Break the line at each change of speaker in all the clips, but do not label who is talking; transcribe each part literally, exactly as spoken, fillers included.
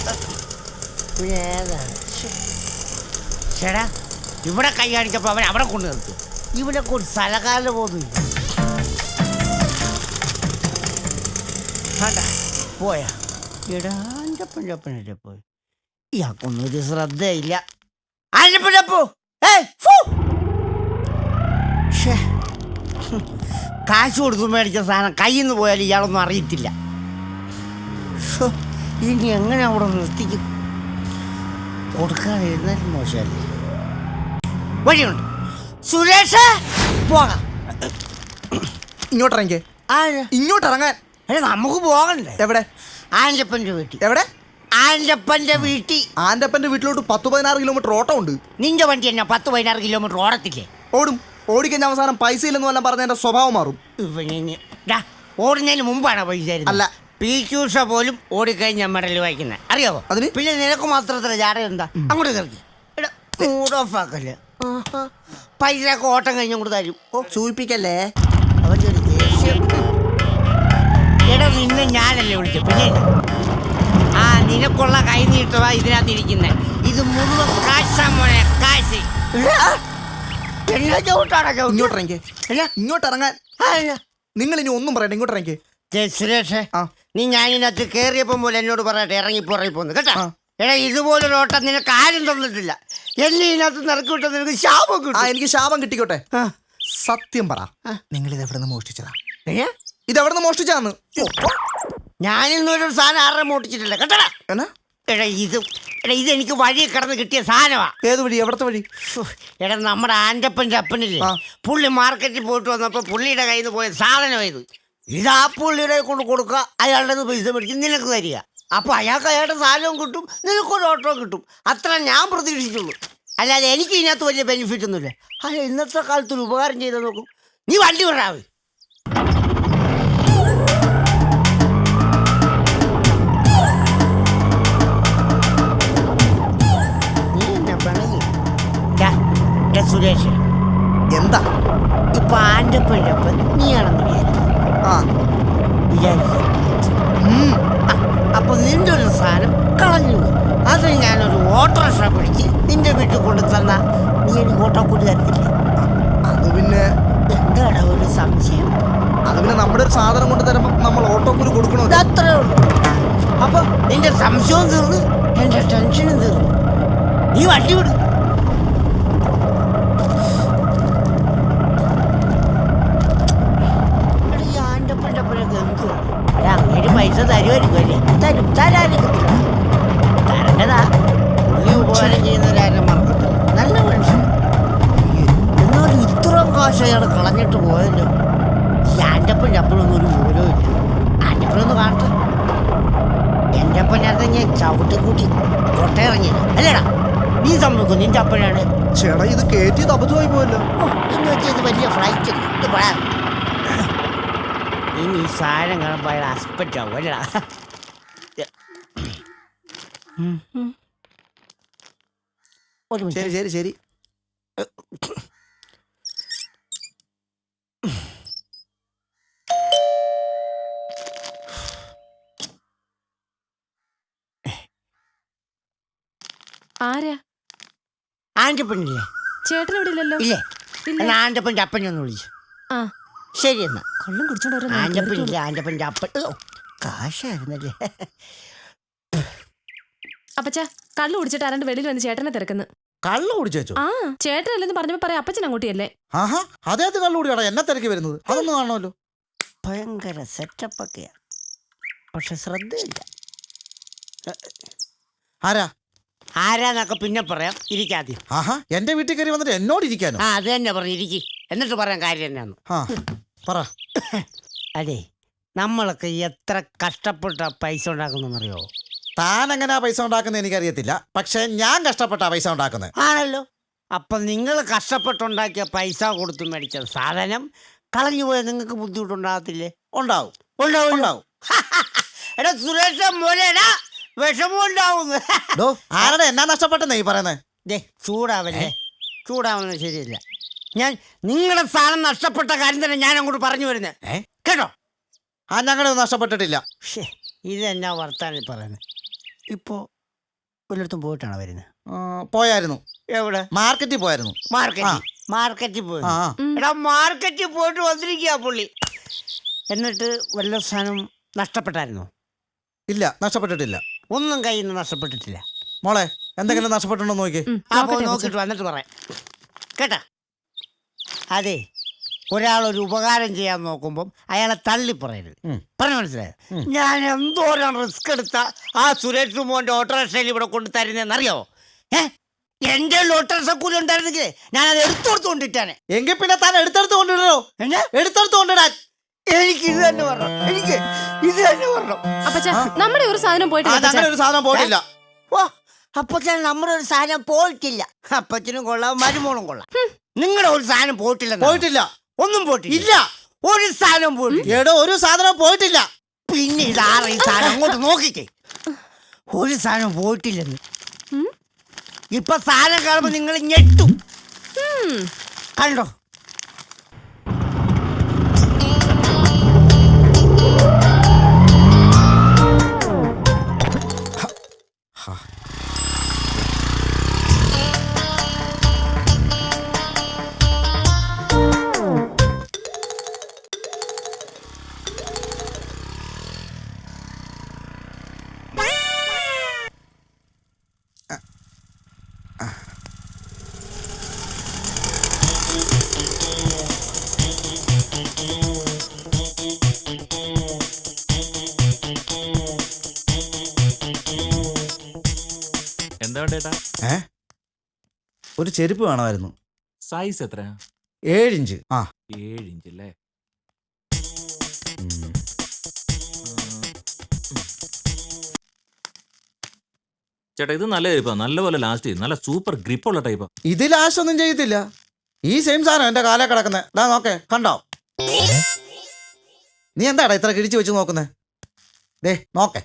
ചേടാ ഇവിടെ കൈ കാണിച്ചപ്പോൾ അവൻ അവിടെ കൊണ്ടു നിർത്തി. ഇവിടെ ഒരു സ്ഥലകാലം പോകുന്നില്ല. പോയാ എടാ ആൻ്റപ്പൻ്റപ്പനല്ലേ പോയി. ഇയാൾക്കൊന്നും ഒരു ശ്രദ്ധയില്ല. ആൻ്റപ്പൻ്റപ്പോ കാശ് കൊടുത്തു മേടിച്ച സാധനം കയ്യിൽ നിന്ന് പോയാൽ ഇയാളൊന്നും അറിയത്തില്ല. ഇനി എങ്ങനെ അവിടെ നിർത്തിക്കും? കൊടുക്കാതെ ഇരുന്നാലും മോശമല്ലേ. വഴിയുണ്ട് സുരേഷ്, പോകാം.
ഇങ്ങോട്ടിറങ്ങിക്കേ. ഇങ്ങോട്ടിറങ്ങാൻ.
അല്ല നമുക്ക് പോകണ്ടേ?
എവിടെ?
ആൻ്റപ്പൻ്റെ വീട്ടിൽ.
എവിടെ?
ആൻ്റപ്പൻ്റെ വീട്ടിൽ.
ആൻ്റപ്പൻ്റെ വീട്ടിലോട്ട് പത്ത് പതിനാറ് കിലോമീറ്റർ ഓട്ടം ഉണ്ട്.
നിന്റെ വണ്ടി തന്നെ പത്ത് പതിനാറ് കിലോമീറ്റർ ഓടത്തില്ലേ?
ഓടും. ഓടിക്കഴിഞ്ഞ അവസാനം പൈസ ഇല്ലെന്ന് വല്ലതും പറഞ്ഞ എന്റെ സ്വഭാവം മാറും.
ഓടുന്നതിന് മുമ്പാണ് പൈസ
അല്ല.
പി ക്യൂഷ പോലും ഓടിക്കഴിഞ്ഞ മെഡൽ വായിക്കുന്നത് അറിയാവോ?
അതിന്
പിന്നെ നിനക്ക് മാത്രത്തില്ല ജാട എന്താ? അങ്ങോട്ട് കയറി മൂഡ് ഓഫ് ആക്കല്ലേ. പൈസ ഒക്കെ ഓട്ടം കഴിഞ്ഞ അങ്ങോട്ട് തരും.
ഓ സൂചിപ്പിക്കല്ലേ.
അവൻ്റെ ഒരു ദേഷ്യം. എടാ നിന്നെ ഞാനല്ലേ വിളിച്ചു. പിന്നെ ആ നിനക്കുള്ള കൈ നീട്ടവാ ഇതിനകത്ത് ഇരിക്കുന്നത്. ഇത് മുഴുവൻ കാശാ മോനെ, കാശ്.
ഇങ്ങോട്ടിറങ്ങിക്കേ. ഇങ്ങോട്ടിറങ്ങാൻ. നിങ്ങൾ ഇനി ഒന്നും പറയട്ടെ. ഇങ്ങോട്ടിറങ്ങിക്കേ.
സുരേഷേ, നീ ഞാനിനകത്ത് കയറിയപ്പം പോലെ എന്നോട് പറയട്ടെ ഇറങ്ങിപ്പോ ഇറങ്ങിപ്പോന്ന് കേട്ടോ. എടാ ഇതുപോലൊരു ഓട്ടം നിനക്ക് ആരും തന്നിട്ടില്ല. എന്നെ ഇതിനകത്ത് നിറക്കി വിട്ട നിനക്ക് ശാപം കിട്ടും.
എനിക്ക് ശാപം കിട്ടിക്കോട്ടെ. സത്യം പറ, നിങ്ങൾ ഇത് എവിടെ നിന്ന് മോഷ്ടിച്ചതാ? ഇത് എവിടെ നിന്ന് മോഷ്ടിച്ചാന്ന്?
ഞാനിന്നൊരു സാധനം ആരുടെ മോഷ്ടിച്ചിട്ടില്ല കേട്ടടാ. എടാ ഇത് എടാ ഇതെനിക്ക് വഴി കിടന്ന് കിട്ടിയ സാധനമാ.
ഏത് വഴി? എവിടത്തെ വഴി?
എടാ നമ്മുടെ ആൻ്റപ്പൻ്റെ അപ്പനില്ലേ, പുള്ളി മാർക്കറ്റിൽ പോയിട്ട് വന്നപ്പോൾ പുള്ളിയുടെ കയ്യിൽ നിന്ന് പോയ സാധനം ഇത്. ഇത് ആ പുള്ളിയുടെ കൊണ്ട് കൊടുക്കുക, അയാളുടെ പൈസ മേടിച്ച് നിനക്ക് തരിക. അപ്പോൾ അയാൾക്ക് അയാളുടെ സാധനവും കിട്ടും, നിനക്കൊരു ഓട്ടോ കിട്ടും. അത്ര ഞാൻ പ്രതീക്ഷിച്ചുള്ളൂ. അല്ലാതെ എനിക്ക് ഇതിനകത്ത് വലിയ ബെനിഫിറ്റ് ഒന്നുമില്ല. അല്ല ഇന്നത്തെ കാലത്തൊരു ഉപകാരം ചെയ്ത് നോക്കും. നീ വണ്ടി വിടാവേ. സുരേഷ്
എന്താ
ഇപ്പൊ ആൻ്റപ്പൻ്റെ അപ്പം നീയാണെന്ന് വിചാരിച്ചു. അപ്പൊ നിന്റെ ഒരു സാധനം കളഞ്ഞു. അത് ഞാനൊരു ഓട്ടോറിക്ഷ പിടിച്ച് നിന്റെ വീട്ടിൽ കൊണ്ടു തന്ന നീ എനിക്ക് ഓട്ടോ കൂടി തരത്തില്ല.
അത് പിന്നെ
എന്താണ് ഒരു സംശയം?
അത് പിന്നെ നമ്മുടെ ഒരു സാധനം കൊണ്ട് തരുമ്പോൾ നമ്മൾ ഓട്ടോ കൂടി കൊടുക്കണോ?
അത്രേ ഉള്ളൂ. അപ്പൊ നിന്റെ സംശയവും തീർന്നു, എന്റെ ടെൻഷനും തീർന്നു. നീ വണ്ടി വിടും. അങ്ങേര് പൈസ തരുമായിരിക്കും അല്ലേ? തരും. തരാതിരിക്കത്തില്ല. തരേണ്ടതാ. പുള്ളി ഉപകാരം ചെയ്യുന്നവരാരും മറക്കത്തില്ല. നല്ല മനുഷ്യൻ. എന്നാലും ഇത്രയും കാശ് അയാൾ കളഞ്ഞിട്ട് പോയല്ലോ. ഈ ആൻ്റപ്പൻ ചപ്പലൊന്നും ഒരു മൂലവും ഇല്ല. ആൻ്റപ്പനൊന്ന് കാണട്ടെ. എൻ്റെ അപ്പനകത്ത് ഞാൻ ചവിട്ടിക്കൂട്ടി കൊട്ടയിറങ്ങിയത് അല്ലേടാ. നീ സമ്മതിക്കും നിന്റെ അപ്പനാണ്.
ചേട്ടാ ഇത് കയറ്റിയത് അബദ്ധമായി പോയല്ലോ.
എന്ന് വെച്ചാൽ ഇത് വലിയ ഫ്ലൈറ്റ് അല്ലേ. ഇത് പറയാം ഇനി ഈ സാധനം കാണുമ്പോൾ അയാൾ ഹസ്ബൻഡ് ആവും അല്ലടാ.
ശരി ശരി ശരി.
ആരാ?
ആൻ്റപ്പനില്ലേ?
ചേട്ടൻ ഇവിടെ ഇല്ലല്ലോ.
ഇല്ലേ? എന്നാ ആൻ്റപ്പൻ്റെ അപ്പനെ ഒന്ന് വിളിച്ചു.
ആ
ശരി എന്നാ.
കൊള്ളം കുടിച്ചോണ്ട്
ആൻ്റപ്പനില്ലേ? ആൻ്റപ്പൻ്റെ അപ്പൻ കാശായിരുന്നല്ലേ.
അപ്പച്ചാ കള്ളു കുടിച്ചിട്ട് ആരാണ്ട് വെളിയിൽ വന്ന് ചേട്ടനെ തിരക്കുന്നു.
കള്ളു കുടിച്ചോ?
ആ ചേട്ടനല്ലെന്ന് പറഞ്ഞപ്പോ പറയാം അപ്പച്ചൻ അങ്ങോട്ടിയല്ലേ.
ആഹാ അദ്ദേഹത്തെ കള്ളു കുടിയാടാ എന്നെ തിരക്കി വരുന്നത്. അതൊന്നും കാണുമല്ലോ.
ഭയങ്കര സെറ്റപ്പൊക്കെയാ, പക്ഷെ ശ്രദ്ധയില്ല.
ആരാ
ആരാന്നൊക്കെ പിന്നെ പറയാം. ഇരിക്കാദ്യം.
ആഹാ എന്റെ വീട്ടിൽ കയറി വന്നിട്ട് എന്നോട് ഇരിക്കാനോ?
ആ അത് തന്നെ പറഞ്ഞു ഇരിക്കി. എന്നിട്ട് പറയാൻ കാര്യം എന്നാന്ന്
പറ.
അതെ നമ്മളൊക്കെ എത്ര കഷ്ടപ്പെട്ട പൈസ ഉണ്ടാക്കുന്നറിയോ?
താൻ എങ്ങനെയാ പൈസ ഉണ്ടാക്കുന്നത് എനിക്കറിയത്തില്ല, പക്ഷെ ഞാൻ കഷ്ടപ്പെട്ടാ പൈസ ഉണ്ടാക്കുന്നത്.
ആണല്ലോ. അപ്പൊ നിങ്ങൾ കഷ്ടപ്പെട്ടുണ്ടാക്കിയ പൈസ കൊടുത്തു മേടിച്ച സാധനം കളഞ്ഞു പോയാൽ നിങ്ങൾക്ക് ബുദ്ധിമുട്ടുണ്ടാകത്തില്ലേ?
ഉണ്ടാവും
ഉണ്ടാവും ഉണ്ടാവും. എടാ സുരേഷ മോനെടാ വിഷമം ഉണ്ടാവുന്നു.
ആരുടെ എന്നാ നഷ്ടപ്പെട്ടെന്നേ ഈ പറയുന്നത്?
ദേ ചൂടാവല്ലേ, ചൂടാവുന്നത് ശരിയല്ല. ഞാൻ നിങ്ങളുടെ സാധനം നഷ്ടപ്പെട്ട കാര്യം തന്നെ ഞാൻ അങ്ങോട്ട് പറഞ്ഞു വരുന്നത് കേട്ടോ.
ആ ഞങ്ങളൊന്നും നഷ്ടപ്പെട്ടിട്ടില്ല.
ഇതെന്നാ വർത്താനം പറയുന്നത്? ഇപ്പോൾ വല്ലയിടത്തും പോയിട്ടാണോ വരുന്നത്?
ആ, പോയായിരുന്നു.
എവിടെ?
മാർക്കറ്റിൽ പോയായിരുന്നു.
മാർക്കറ്റ് മാർക്കറ്റിൽ പോയി.
ആ
എടാ മാർക്കറ്റിൽ പോയിട്ട് വന്നിരിക്കുക പുള്ളി. എന്നിട്ട് വല്ല സാധനം നഷ്ടപ്പെട്ടായിരുന്നോ?
ഇല്ല, നഷ്ടപ്പെട്ടിട്ടില്ല.
ഒന്നും കയ്യിൽ നിന്ന് നഷ്ടപ്പെട്ടിട്ടില്ല.
മോളെ എന്തെങ്കിലും നഷ്ടപ്പെട്ടുണ്ടോ നോക്കി.
ഉം,
ആ
നോക്കട്ടെ
പോയി
അപ്പച്ചാ.
നോക്കിയിട്ട് വന്നിട്ട് പറയാം കേട്ടാ. അതെ, ഒരാളൊരു ഉപകാരം ചെയ്യാൻ നോക്കുമ്പം അയാളെ തള്ളി പറയരുത്. പറഞ്ഞു മനസ്സിലായോ? ഞാൻ എന്തോരം റിസ്ക് എടുത്ത ആ സുരേഷ് മോന്റെ ഓട്ടോറിക്ഷയിൽ ഇവിടെ കൊണ്ട് തരുന്നതെന്നറിയാവോ? ഏ എന്റെ ഓട്ടോറിക്ഷ കൂലി ഉണ്ടായിരുന്നെങ്കിൽ ഞാനത് എടുത്തോടുത്ത് കൊണ്ടിട്ടാണ്.
എങ്കിൽ പിന്നെ താൻ എടുത്തെടുത്ത് കൊണ്ടിടോ.
എന്നാ
എടുത്തെടുത്ത് കൊണ്ടിടാൻ.
എനിക്ക് ഇത് തന്നെ പറഞ്ഞു. എനിക്ക് ഇത് തന്നെ പറഞ്ഞു.
അപ്പച്ചാ നമ്മുടെ ഒരു സാധനം പോയിട്ടില്ല അപ്പച്ചാ.
അങ്ങനെ ഒരു സാധനം പോയിട്ടില്ല.
ഓ അപ്പച്ചൻ നമ്മുടെ ഒരു സാധനം പോയിട്ടില്ല. അപ്പച്ചനും കൊള്ളാം, മരുമോളും കൊള്ളാം. നിങ്ങളുടെ ഒരു സാധനം പോയിട്ടില്ല.
പോയിട്ടില്ല.
ഒന്നും പോയിട്ടില്ല.
ഇല്ല,
ഒരു സാധനം പോയിട്ടില്ല.
എടോ ഒരു സാധനം പോയിട്ടില്ല.
പിന്നെ ഇതാറ ഈ സാധനം അങ്ങോട്ട് നോക്കിക്കേ. ഒരു സാധനം പോയിട്ടില്ലെന്ന്. ഇപ്പൊ സാധനം കാണുമ്പോ നിങ്ങൾ ഞെട്ടും. കണ്ടോ?
എന്താ വേണ്ടേട്ടാ?
ഏ ഒരു ചെരുപ്പ് വേണമായിരുന്നു.
സൈസ് എത്ര?
ഏഴിഞ്ച്. ആ
ഏഴ് ഇഞ്ച് അല്ലേ?
ഉം.
ചേട്ടാ ഇത് നല്ല ടൈപ്പാ, നല്ലപോലെ ലാസ്റ്റ് ചെയ്യും, നല്ല സൂപ്പർ ഗ്രിപ്പുള്ള ടൈപ്പാ.
ഇത് ലാസ്റ്റ് ഒന്നും ചെയ്യത്തില്ല. ഈ സെയിം സാധനം എന്റെ കാലേ കിടക്കുന്നത്. ഡാ നോക്കേ, കണ്ടോ? നീ എന്താടാ ഇത്ര കിഴിച്ചു വെച്ച് നോക്കുന്നേ? ദേ നോക്കേ.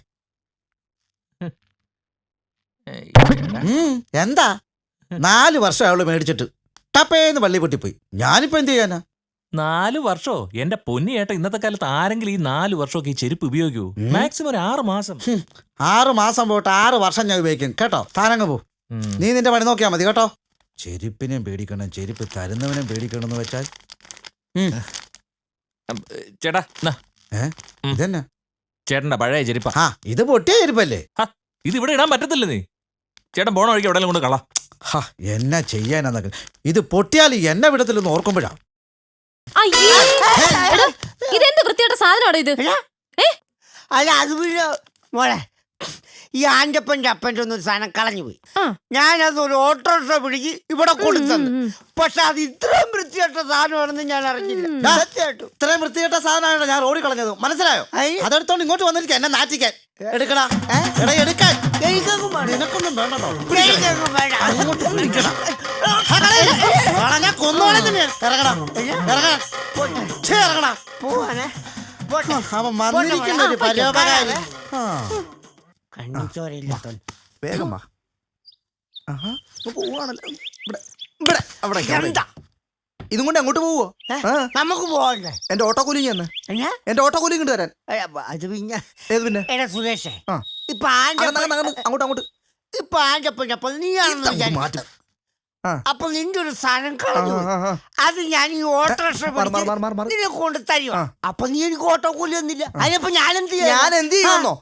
ഏയ്,
ഉം, എന്താ നാല് വർഷം അവള് മേടിച്ചിട്ട് ടപ്പേന്ന് പള്ളി പൊട്ടിപ്പോയി. ഞാനിപ്പോ എന്ത് ചെയ്യാനാ?
നാല് വർഷോ? എന്റെ പൊന്നി ഏട്ടാ, ഇന്നത്തെ കാലത്ത് ആരെങ്കിലും ഈ നാല് വർഷമൊക്കെ ഈ ചെരുപ്പ് ഉപയോഗിക്കൂ? മാക്സിമം ഒരു ആറ് മാസം.
ഹും, ആറ് മാസം പോയിട്ട് ആറ് വർഷം ഞാൻ ഉപയോഗിക്കും കേട്ടോ. താനങ്ങ് പോ.
ഉം.
നീ നിന്റെ പണി നോക്കിയാ മതി കേട്ടോ. ചെരുപ്പിനെയും പേടിക്കണം, ചെരുപ്പ് തരുന്നവനെയും പേടിക്കണം എന്ന് വെച്ചാൽ. ഉം.
ചേട്ടാ എന്നാ,
ഏ
ഉം.
ഇതെന്നാ?
ചേട്ടന്റെ പഴയ ചെരുപ്പാ.
ആ ഇത് പൊട്ടിയ ചെരുപ്പല്ലേ?
ഹ, ഇത് ഇവിടെ ഇടാൻ പറ്റത്തില്ല. നീ ചേട്ടൻ പോണ വഴിക്ക് എവിടെയെങ്കിലും കൊണ്ട് കളാ.
ഹാ എന്നാ ചെയ്യാനാന്നൊക്കെ. ഇത് പൊട്ടിയാൽ എന്നെ വിടത്തില്ലെന്ന് ഓർക്കുമ്പോഴാ.
അയ്യേ. എടാ, ഇതെന്ത് വൃത്തിയായിട്ട സാധനമാണോ ഇത്? ഏ
അല്ല അത് പിന്നെ മോളെ, ഈ ആൻ്റപ്പൻ്റെ അപ്പൻ്റെ ഒന്നും ഒരു സാധനം കളഞ്ഞു പോയി.
ആ.
ഞാനത് ഒരു ഓട്ടോറിക്ഷ പിടിച്ച് ഇവിടെ കൊടുത്തത്.
ഉം, ഉം.
പക്ഷെ അത് ഇത്രയും വൃത്തിയായിട്ട സാധനമാണെന്ന് ഞാൻ അറിഞ്ഞില്ല.
ഡാ,
സത്യമായിട്ടും
ഇത്രയും വൃത്തികെട്ട സാധനമാണ് ഞാൻ റോഡിൽ കളഞ്ഞത്. മനസ്സിലായോ?
അയ്യ.
അതെടുത്തോണ്ട് ഇങ്ങോട്ട് വന്നിരിക്കുക എന്നെ നാറ്റിക്കാൻ. എടുക്കടാ. എടാ എടുക്കാൻ.
എനിക്കൊന്നും വേണ്ട.
നിനക്കൊന്നും വേണ്ടോ?
എനിക്കൊന്നും വേണ്ട.
അങ്ങോട്ട് വിളിക്കടാ. ആ, കളയില്ല. കളഞ്ഞാ കൊന്നോളെ തന്നെ. ഇറങ്ങടാ. ഇറങ്ങടാ. ഛേ, ഇറങ്ങടാ.
പോവാനെ പോട്ടെ.
അവൻ വന്നിരിക്കുന്ന ഒരു പരോപകാരി. ആ,
കണ്ണിച്ചോരയില്ലാത്ത
വേഗം വാ. ആഹാ, ഇപ്പൊ പോവാണല്ലോ. ഇവിടെ ഇവിടെ അവിടെ
എന്താ
ഇതും കൊണ്ട് അങ്ങോട്ട് പോവോ?
ഏ?
ആ,
നമുക്ക് പോകണ്ടേ?
എന്റെ ഓട്ടോ കൂലിങ് തന്നെ.
എന്നാ?
എന്റെ ഓട്ടോ കൂലിങ് കൊണ്ട് തരാൻ.
ഏ, അത് പിന്നെ
ഏത് പിന്നെ?
എടാ സുരേഷേ,
ആ.
ഇപ്പൊ
അകന്ന്
ആൻ്റപ്പൻ
അകന്ന് അകന്ന് അങ്ങോട്ട് അങ്ങോട്ട്
ഇപ്പൊ ആൻ്റപ്പൻ്റെ അപ്പം നീയാണെന്ന്
ഇതങ്ങ്
വിചാരിക്കും.
മാറ്റ്. ആ.
അപ്പൊ നിന്റെ ഒരു സാധനം
ആ,
കളഞ്ഞു
ആ, ആ.
അത് ഞാൻ ഈ ഓട്ടോറിക്ഷ
മാറ്, മാറ്, മാറ്, മാറ്, മാറ്.
നിന്നെ കൊണ്ട് തരുവാ.
ആ.
അപ്പൊ നീ എനിക്ക് ഓട്ടോ കൂലി ഒന്നില്ല. അതിനപ്പോ ഞാൻ എന്ത് ചെയ്യാൻ?
ഞാൻ എന്ത് ചെയ്യുന്നോ?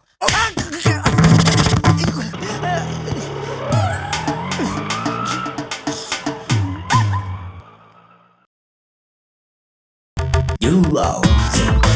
You are